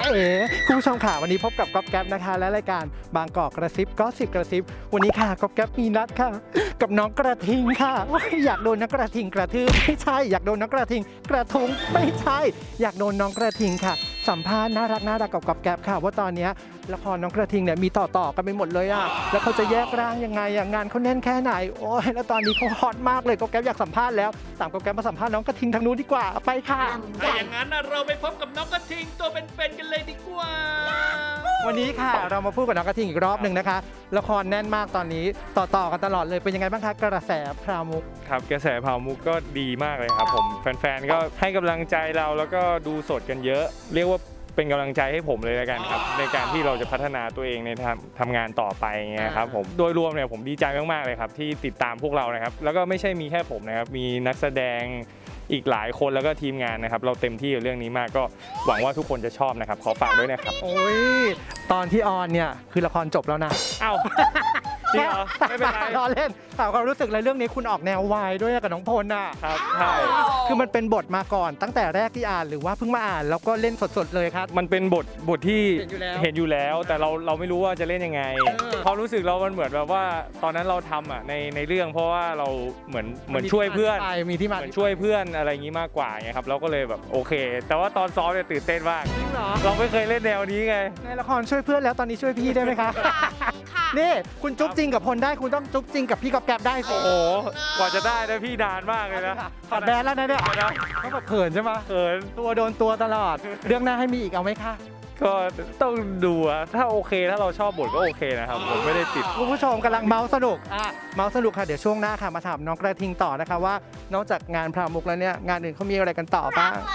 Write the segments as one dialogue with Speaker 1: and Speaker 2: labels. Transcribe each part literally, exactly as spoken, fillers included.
Speaker 1: เอ๋คุณผู้ชมค่ะวันนี้พบกับก๊อฟแก๊ปนะคะและรายการบางกอกกระซิบก็สิบกระซิบวันนี้ค่ะก๊อฟแก๊ปมีนัดค่ะกับน้องกระทิงค่ะอยากโดนน้องกระทิงกระทืบไม่ใช่อยากโดนน้องกระทิงกระทุงไม่ใช่อยากโดนน้องกระทิงค่ะสัมภาษณ์น่ารักน่ารักกับก๊อฟแก๊ปค่ะว่าตอนนี้ละครน้องกระทิงเนี่ยมีต่อต่อกันไปหมดเลยอ่ะแล้วเขาจะแยกร่างยังไงอ่ะงานเขาแน่นแค่ไหนโอ้ยแล้วตอนนี้เขาฮอตมากเลยก๊อฟแก๊ปอยากสัมภาษณ์แล้วตามก๊อฟแก๊ปมาสัมภาษณ์น้องกระทิงทางนู้นดีกว่าไปค่ะ
Speaker 2: ถ้าอย่างนั้นเราไปพบกับน้องกระทิงตัวเป็นๆกันเลยดีกว่า
Speaker 1: วันนี้ค่ะเรามาพูดกับน้องกระทิงอีกรอบหนึ่งนะคะละครแน่นมากตอนนี้ต่อต่อกันตลอดเลยเป็นยังไงบ้างคะกระแสพราวมุก
Speaker 3: ครับกระแสพราวมุกก็ดีมากเลยครับผมแฟนๆก็ให้กำลังใจเราแล้วก็ดูสดกันเยอะ เรียกว่าเป็นกำลังใจให้ผมเลยละกันครับในการที่เราจะพัฒนาตัวเองในทำทำงานต่อไปเงี้ยครับผมโดยรวมเนี่ยผมดีใจมากๆเลยครับที่ติดตามพวกเรานะครับแล้วก็ไม่ใช่มีแค่ผมนะครับมีนักแสดงอีกหลายคนแล้วก็ทีมงานนะครับเราเต็มที่กับเรื่องนี้มากก็หวังว่าทุกคนจะชอบนะครับขอฝากด้วยนะครับ
Speaker 1: โอ้ยตอนที่ออนเนี่ยคือละครจบแล้วนะ
Speaker 3: เอ้าจริงเหรอไม่เป็นไร
Speaker 1: รอเล่นถามความรู้สึกเลยเรื่องนี้คุณออกแนววายด้วยกับน้องพลน่ะ
Speaker 3: ครับใช่
Speaker 1: คือมันเป็นบทมาก่อนตั้งแต่แรกที่อ่านหรือว่าเพิ่งมาอ่านแล้วก็เล่นสดๆเลยครับ
Speaker 3: มันเป็นบทบทที่
Speaker 1: เห็นอยู่แล้ว
Speaker 3: แต่เราเราไม่รู้ว่าจะเล่นยังไงความรู้สึกเรามันเหมือนแบบว่าตอนนั้นเราทำอ่ะในในเรื่องเพราะว่าเราเหมือนเหมือนช่วยเพื่อน
Speaker 1: มีที่มา
Speaker 3: เหมือนช่วยเพื่อนอะไรอย่างนี้มากกว่าไงครับเราก็เลยแบบโอเคแต่ว่าตอนซ้อมเนี่ยตื่นเต้นมาก
Speaker 1: จริงเหรอ
Speaker 3: เราไม่เคยเล่นแนวนี้ไง
Speaker 1: ในละครช่วยเพื่อนแล้วตอนนี้ช่วยพี่ได้ไหมคะนี่คุณจุ๊บจริงกับพลได้คุณต้องจุ๊บจริงกับพี่กอบแก๊บได้สิ
Speaker 3: โอ้โหกว่าจะได้นะพี่นานมากเลยนะ
Speaker 1: ถอดแบนแล้วนะเนี่ยเขาแบบเขินใช่ไหม
Speaker 3: เขิน
Speaker 1: ตัวโดนตัวตลอดเรื่องหน้าให้มีอีกเอาไหมคะ
Speaker 3: ก็ต้องดูอะถ้าโอเคถ้าเราชอบบทก็โอเคนะครับผมไม่ได้ติด
Speaker 1: คุณผู้ชมกำลังเมาสนุกอ่ะเมาสนุกค่ะเดี๋ยวช่วงหน้าค่ะมาถามน้องกระทิงต่อนะคะว่านอกจากงานพราวมุกแล้วเนี่ยงานอื่นเขามีอะไรกันต่อบ้าง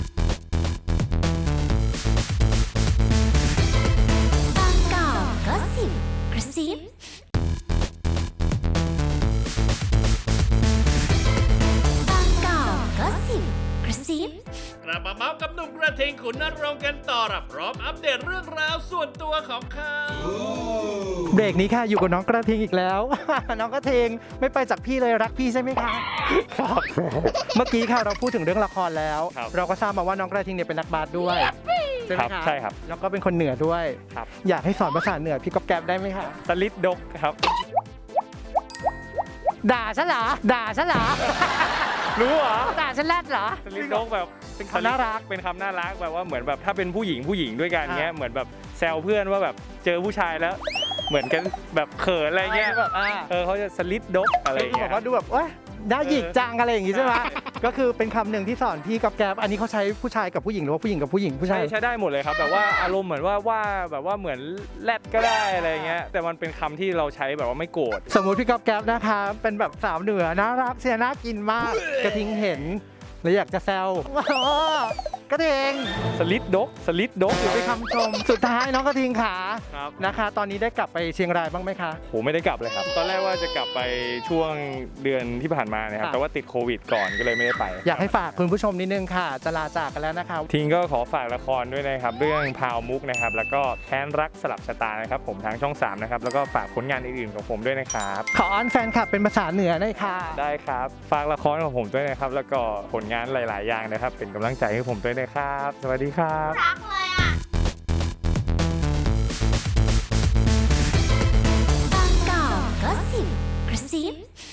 Speaker 4: บางกอกก็สิบกระซิบางกอกก็สิบกระซิบ
Speaker 2: กลับมาเมาส์กับหนุ่มกระทิงขุนนรงค์กันต่อรับพร้อมอัปเดตเรื่องราวส่วนตัวของเขา
Speaker 1: เบรกนี้ค่ะอยู่กับน้องกระทิงอีกแล้ว น้องกระทิงไม่ไปจากพี่เลยรักพี่ใช่ไหมคะครับเมื่อกี้ค่ะเราพูดถึงเรื่องละครแล้วเราก็ทราบมาว่าน้องกระทิงเนี่ยเป็นนักบาสด้วยใช่ไหมคะ
Speaker 3: ใช่ครับ
Speaker 1: แล้วก็เป็นคนเหนือด้วยอยากให้สอนภาษาเหนือพี่ก๊อบแก๊บได้ไหมคะ
Speaker 3: สลิดดกครับ
Speaker 1: ด่าฉันเหรอด่าฉันเหรอ
Speaker 3: รู้เหรอ
Speaker 1: ด่าฉันแรดเหรอ
Speaker 3: สลิดดกแบบ
Speaker 1: เป็นคำน่ารัก
Speaker 3: เป็นคำน่ารักแบบว่าเหมือนแบบถ้าเป็นผู้หญิงผู้หญิงด้วยกันเงี้ยเหมือนแบบแซวเพื่อนว่าแบบเจอผู้ชายแล้วเหมือนกันแบบเขินอะไรเงี้ยเออเขาจะสลิดดกอะไรอย่างเงี้ย
Speaker 1: บอกว่าดูแบบว่าน่าหยิกจังอะไรอย่างงี้ใช่ไหมก็คือเป็นคำหนึ่งที่สอนพี่กับแก๊บอันนี้เขาใช้ผู้ชายกับผู้หญิงหรือว่าผู้หญิงกับผู้หญิงผู้ชาย
Speaker 3: ใช้ได้หมดเลยครับแบบว่าอารมณ์เหมือนว่าว่าแบบว่าเหมือนแรดก็ได้อะไรเงี้ยแต่มันเป็นคำที่เราใช้แบบว่าไม่โกรธ
Speaker 1: สมมุติพี่กับแก๊บนะคะเป็นแบบสาวเหนือน่ารักเสียน่ากินมากกระทิงเห็นเลยอยากจะแซวกระทิง
Speaker 3: สลิดดกสลิดดก
Speaker 1: เป็นคำชมสุดท้ายน้องกระทิงขานะคะตอนนี้ได้กลับไปเชียงรายบ้างไหมคะ
Speaker 3: โหไม่ได้กลับเลยครับตอนแรกว่าจะกลับไปช่วงเดือนที่ผ่านมานะครับแต่ว่าติดโควิดก่อนก็เลยไม่ได้ไป
Speaker 1: อยากให้ฝากคุณผู้ชมนิดนึงค่ะจะลาจากกันแล้วนะคะ
Speaker 3: ทิงก็ขอฝากละครด้วยนะครับเรื่องพาวมุกนะครับแล้วก็แค้นรักสลับชะตานะครับผมทางช่องสามนะครับแล้วก็ฝากผลงานอื่นๆของผมด้วยนะครับ
Speaker 1: ขออ้อนแฟนคลับเป็นภาษาเหนือหน่อยค่ะ
Speaker 3: ได้ครับฝากละครของผมด้วยนะครับแล้วก็ผลงานหลายๆอย่างนะครับเป็นกำลังใจให้ผมด้วยนะครับสวัสดีครับ
Speaker 4: รักเลยอ่ะบางกอกก็สิบกระซิบ